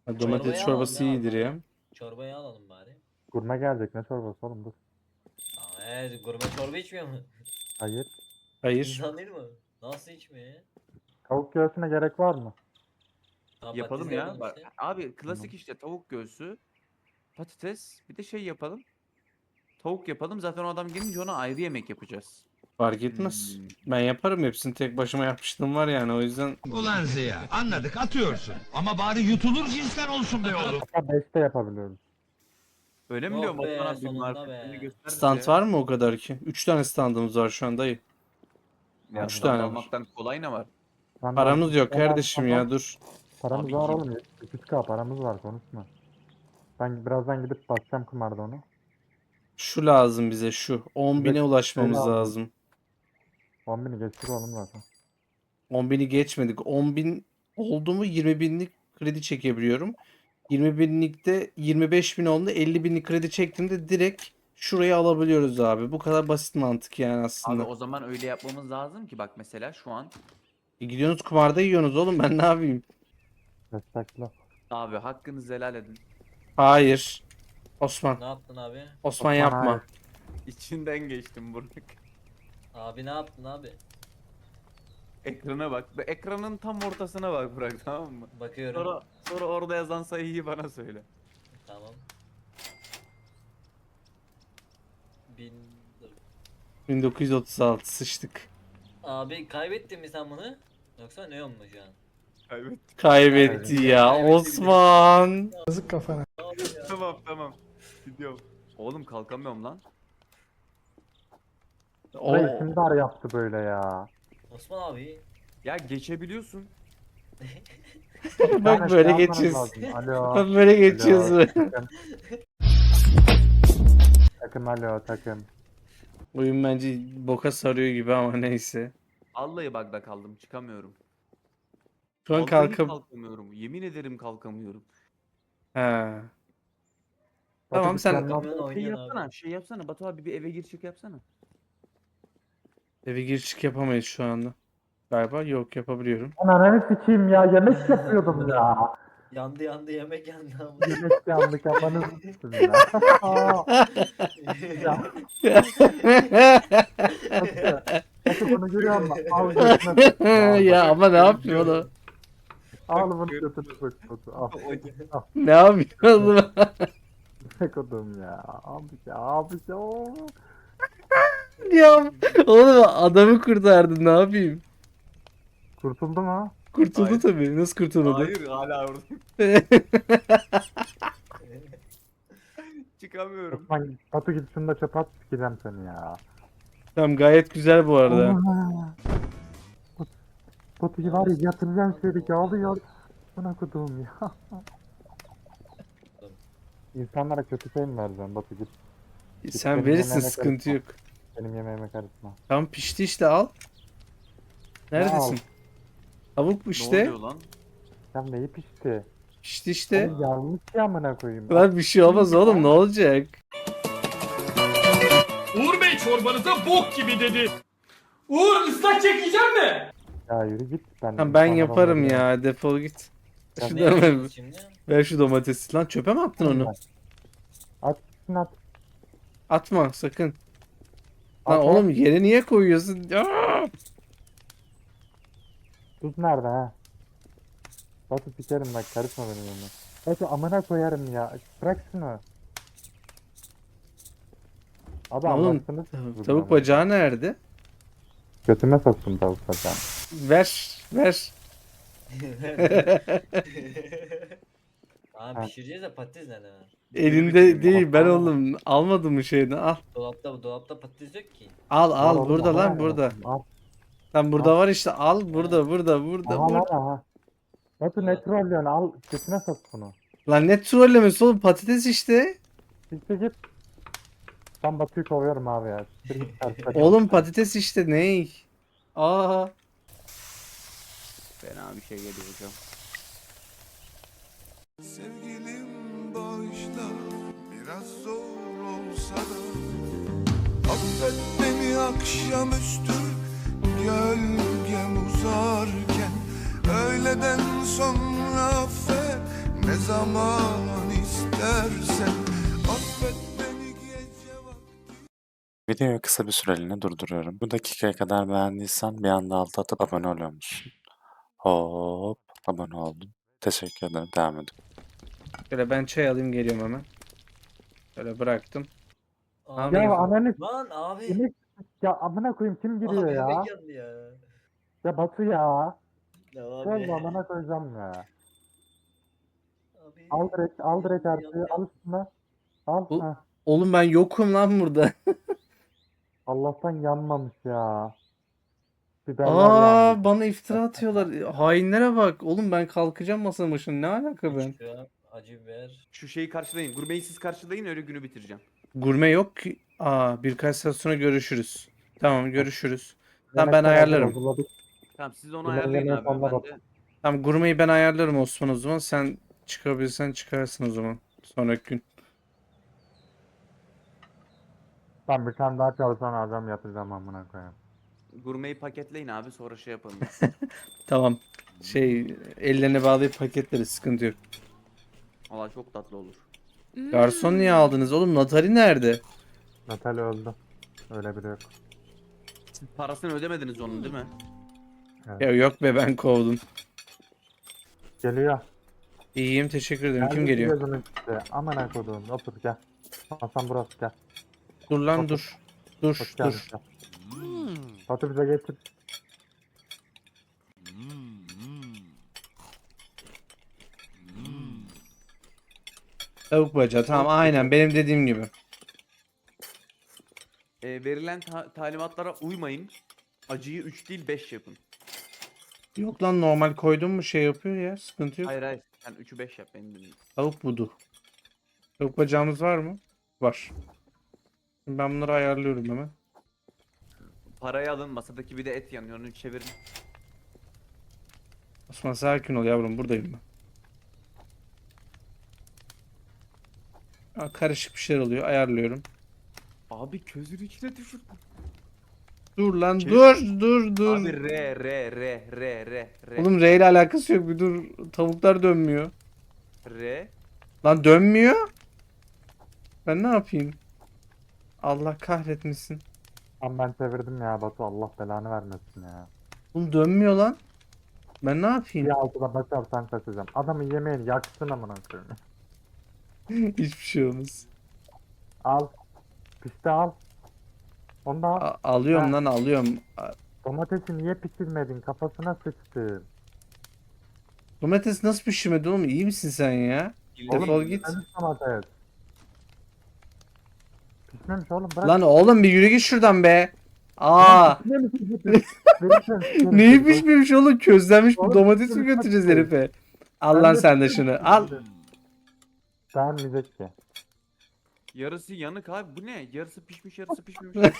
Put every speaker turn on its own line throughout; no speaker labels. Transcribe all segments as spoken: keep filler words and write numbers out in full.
Ha, domates
Çorbayı
çorbası
alalım ya
iyidir
abi.
ya.
Çorbayı alalım bari.
Gurme gelecek, ne çorbası oğlum, dur.
Aa, evet, gurme çorba içmiyor mu?
Hayır.
Hayır.
İnsan değil mi? Nasıl içmiyor ya?
Tavuk göğsüne gerek var mı?
Tamam,
Yapalım
patatesle
ya.
yapalım
Bak,
işte.
abi klasik
Tamam.
işte tavuk göğsü, patates, bir de şey yapalım. Tavuk yapalım. Zaten o adam gelince ona ayrı yemek yapacağız.
Fark etmez.
Hmm.
Ben yaparım hepsini, tek başıma yapmıştım var yani, o yüzden.
Ulan Ziya anladık atıyorsun. Ama bari yutulur cinsten olsun be oğlum.
Hatta beşte yapabiliyoruz.
Öyle mi
Yok
diyor
be,
Batuhan abi? Bir
sonunda
marifetini
be.
göster bize
Stand
ya.
var mı o kadar ki? Üç tane standımız var şu an dayı.
Ya
Üç
stand
tane var.
almaktan kolay ne var?
Lan
Paramız yok
altı-
kardeşim ya, dur.
Paramız
Abi
var
kim-
oğlum. iki yüz K paramız var, konuşma. Ben birazdan gidip basacağım kumarda onu.
Şu lazım bize, şu. on bine
Bize
ulaşmamız
şey lazım.
lazım.
on bini geçtik oğlum zaten.
on bini geçmedik. on bin oldu mu yirmi binlik kredi çekebiliyorum. yirmi binlikte yirmi beş bin oldu. elli binlik kredi çektiğimde direkt şurayı alabiliyoruz abi. Bu kadar basit mantık yani
Abi
aslında.
o zaman öyle yapmamız lazım ki bak mesela şu an
E, gidiyorsunuz kumarda yiyorsunuz oğlum, ben ne yapayım?
Destekle.
abi hakkınızı helal edin.
Hayır. Osman.
Ne yaptın abi?
Osman
Osman,
yapma.
hayır.
İçinden geçtim Burak.
Abi ne yaptın abi?
Ekrana bak. Ve ekranın tam ortasına bak Burak, tamam mı?
Bakıyorum.
Sonra sonra orada yazan sayıyı bana söyle.
Tamam. Bin... Dur.
bin dokuz yüz otuz altı sıçtık.
Abi kaybettin mi sen bunu? Yoksa ne olmuş şu an?
Kaybettim.
Kaybetti ya
Kaybetti
Osman.
Abi ya.
Tamam tamam. Gidiyorum. Oğlum kalkamıyorum lan.
O
Burayı kim dar yaptı böyle ya?
Osman abi.
Ya geçebiliyorsun.
Bir
bak
tane
böyle
şey yapmanız
geçiyoruz.
lazım. Alo.
Bak böyle geçiyoruz.
Alo, takım. Takım alo takım.
Oyun bence boka sarıyor gibi ama neyse.
Vallahi bug'da kaldım, çıkamıyorum.
Şu an
Vallahi
kalkıp...
kalkamıyorum. Yemin ederim kalkamıyorum.
Ha.
Batu
Tamam,
bir
sen
planla-
Kalkamıyorsun,
Şey
oynuyorsun
yapsana,
abi.
şey yapsana. Batu abi bir eve gir çık yapsana.
eve gir çık yapamayız şu anda. Galiba yok, yapabiliyorum.
Ananı sikeyim ya, yemek yapıyordum ya.
Yandı yandı yemek yandı ama.
Yemek yandı, kafanızı sıktım ya. Ya. Batu, Batu bunu görüyor musun? Al götüne sok. Al,
Ya ama ne yapıyor o?
al bunu götüne sok Batu. Al.
Ne yapıyor oğlum?
Ne kodum ya. Abi ya, abi ya.
Ya oğlum, adamı kurtardın, ne yapayım?
Kurtuldu mu?
Kurtuldu
Hayır.
tabii. Nasıl kurtuldu?
Hayır hala oradayım. Çıkamıyorum.
Osman, Batu git şunu da çöpe at, sikeceğim seni ya.
Tamam, gayet güzel bu arada.
Batu- Batu'yu var ya yatıracağım şöyle yağlıyor. Buna kodum ya. İnsanlara kötü şey mi vereceğim Batu, git.
Sen
benim
verirsin,
yemeğime
sıkıntı
karışma.
yok.
Benim yemeğime karışma.
Tamam, pişti işte, al. Neredesin? Tavuk bu
Ne
işte.
oluyor lan?
Sen neyi pişti?
Pişti işte.
Oğlum yanlış ya, amına koyayım.
Lan bir şey olmaz oğlum, ne olacak?
Uğur Bey çorbanıza bok gibi dedi. Uğur ıslak çekeceğim mi?
Ya yürü git. Ben,
Tamam, ben
insanlara
yaparım
onları
ya, defol git.
Ya
Ne
Şuradan ver,
yapıyorsunuz şimdi?
ver şu domatesi. Lan çöpe mi attın onu?
At gitsin at.
Atma sakın. Lan
At,
oğlum, yere niye koyuyorsun? Aa!
Tuz nerede ha? Batu sikerim bak, karışma benim yanıma. Batu amına koyarım ya. Bırak şunu. Abi
Oğlum,
anlattınız.
Tavuk bacağı nerede?
Götüme soktum tavuk bacağı.
Ver, ver.
Abi pişireceğiz de patates nerede var?
Elinde değil, ben oğlum almadım mı şeyini, al.
Dolapta dolapta patates yok ki.
Al
Al
al,
oğlum,
burada
al
lan,
yani.
burada.
Al.
Lan burada var işte, al burada, burada, burada,
Aha lan
burada.
aha. Batu ne trollüyorsun, al götüne sok bunu.
Lan ne trollemesi oğlum, patates işte.
Gitti git. Ben Batu'yu kovuyorum abi ya. Siktir git, ters
Oğlum patates işte, ney? Aa.
Fena bir şey geliyor hocam.
Sevgilim bağışla, biraz zor olsa da affet beni akşamüstü gölgem uzarken. Öğleden sonra affet, ne zaman istersen. Affet beni gece vakti.
Videoyu kısa bir süreliğine durduruyorum. Bu dakikaya kadar beğendiysen bir anda alt atıp abone oluyor musun? Hop, abone oldum. Teşekkür ederim. Devam edin.
Şöyle ben çay alayım geliyorum hemen. Şöyle bıraktım.
Abi,
Ya
Abi,
ananı
lan abi.
s***, ya amına koyayım kim giriyor
Abi
ya?
yemek yandı ya.
Ya Batu ya.
Ya
Gel
abi.
amına koyacağım ya.
Abi.
Al direkt, al direkt
Yandı,
artığı,
yandı,
al
yandı.
üstüne. Al.
Bu-
Heh.
oğlum ben yokum lan burada.
Allah'tan yanmamış ya. Biberler
Aa,
yandı.
bana iftira atıyorlar. Hainlere bak. Oğlum ben kalkacağım masanın başına. Ne alaka ben?
üç gram acı biber.
Şu şeyi karşılayın. Gurmeyi siz karşılayın, öyle günü bitireceğim.
Gurme yok ki. Aa, birkaç saat sonra görüşürüz. Tamam, görüşürüz. Tamam, ben
Yemekler hazır,
ayarlarım.
hazırladık.
Tamam siz onu
Yemeğe
ayarlayın
yemeğe
abi.
sonuna
Ben
bak.
de
Tamam, gurmeyi ben ayarlarım Osman o zaman. Sen çıkabilirsen çıkarsın o zaman. Sonraki gün.
Ben bir tane daha çalışan adam yapacağım amına koyayım.
gurmeyi paketleyin abi, sonra şey yapalım.
Tamam. Şey, ellerini bağlayıp paketleriz. Sıkıntı yok.
Valla çok tatlı olur.
Garson niye aldınız oğlum? Natali nerede?
Natalya öldü. Öyle biri yok.
Siz parasını ödemediniz onun değil mi?
Ya yok be, ben kovdum.
Geliyor.
İyiyim, teşekkür ederim. Kim
Geldi
geliyor?
gözümün içinde. Amına koduğum. Otur gel. Hasan burası gel.
Dur lan
Otur.
dur. Dur
Hoş geldin.
dur.
Gel. Batu bize getir.
Tavuk bacağı. Tamam, aynen benim dediğim gibi.
Ee, verilen ta- talimatlara uymayın. Acıyı üç değil beş yapın.
Yok lan, normal koydum mu şey yapıyor ya. Sıkıntı yok.
Hayır hayır. Sen üçü beş yap benim dediğim.
Tavuk budu. Tavuk bacağımız var mı? Var. Şimdi ben bunları ayarlıyorum hemen.
Parayı alın, masadaki bir de et yanıyor, onu çevirin.
Osman sakin ol yavrum, buradayım ben. Aa, karışık bir şeyler oluyor, ayarlıyorum.
Abi közün içine düşür.
Dur lan,
Şey-
dur dur dur.
Abi re re re re re re
Oğlum R ile alakası yok, bir dur. Tavuklar dönmüyor.
re.
Lan dönmüyor. Ben ne yapayım? Allah kahretmesin.
Ama ben çevirdim ya Batu, Allah belanı vermesin ya.
Oğlum dönmüyor lan. Ben ne
Bir
yapayım?
altıda başarsan kaçacağım. Adamın yemeğini yaksın amına koyayım.
Hiçbir şey olmaz.
Al. Pişti al. Onu da al.
A- alıyorum
Ha.
lan, alıyorum. A-
Domatesi niye pişirmedin? Kafasına sıçtı.
Domates nasıl pişirmedi oğlum? İyi misin sen ya? Defol git.
Pişmemiş domates. Pişmemiş oğlum, bırak.
Lan oğlum bir yürü git şuradan be. Aa,
Pişmemiş domates. Verirsen sikerim
neyi
seni.
pişmemiş oğlum? Közlenmiş bir
Oğlum,
domates mi
pişmemiş
götüreceğiz
domates.
herife? Al
Ben
lan
de
sen de
pişmemiş
şunu. Al.
domates. Beğenmeyecek ki.
Yarısı yanık abi, bu ne? Yarısı pişmiş, yarısı pişmemiş.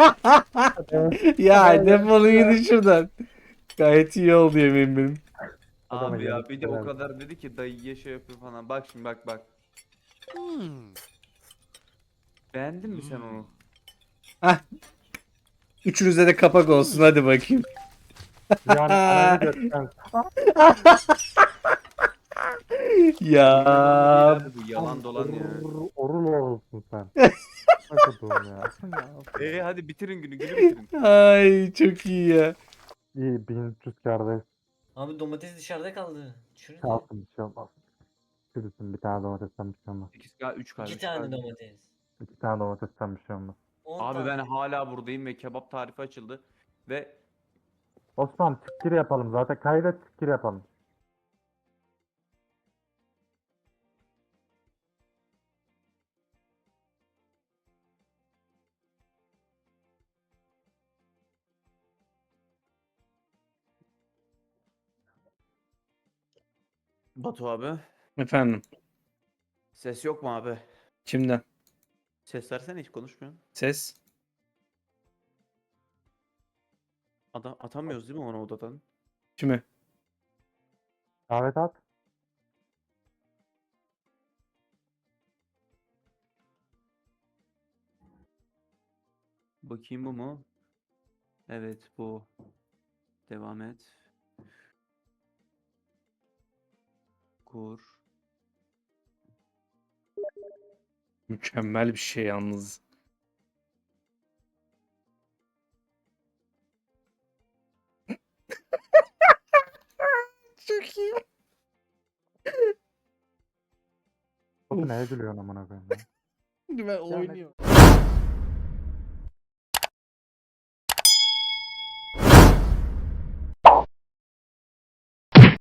Ya defolun gidin şuradan. Gayet iyi oldu yemeğim benim.
Adama
Abi ya
yanık
bir de o
helal.
kadar dedi ki dayıya şey yapıyor falan. Bak şimdi bak bak. Beğendin mi sen onu?
Üçünüze de kapak olsun, hadi bakayım.
Yani ananı götürsen.
Ya
Abi bu yalan dolan ya.
Orul orul olursun sen. Ne koduğum ya.
Eee hadi bitirin günü, günü bitirin.
ay çok iyi ya.
İyi bin üç yüz kardeş.
Abi domates dışarıda kaldı. Şurada.
Kalsın bir şey olmaz. Çürüsün bir tane domatesten bir şey olmaz.
sekiz K üç kardeş.
İki tane
kardeş.
domates.
İki tane domatesten bir şey olmaz.
On
Abi
tane.
ben hala buradayım ve kebap tarifi açıldı. Ve
Osman tikir yapalım zaten. Kaydet tikir yapalım.
Batu abi.
Efendim,
Ses yok mu abi?
kimden?
Ses versene, hiç konuşmuyorsun.
Ses?
Adam atamıyoruz değil mi onu odadan?
Kime?
Davet at.
Bakayım bu mu? Evet bu. Devam et. Kur.
Mükemmel bir şey yalnız. Çok iyi.
Batu neye gülüyorsun amına koyayım ya?
Ben
Ya ne-
oynuyorum.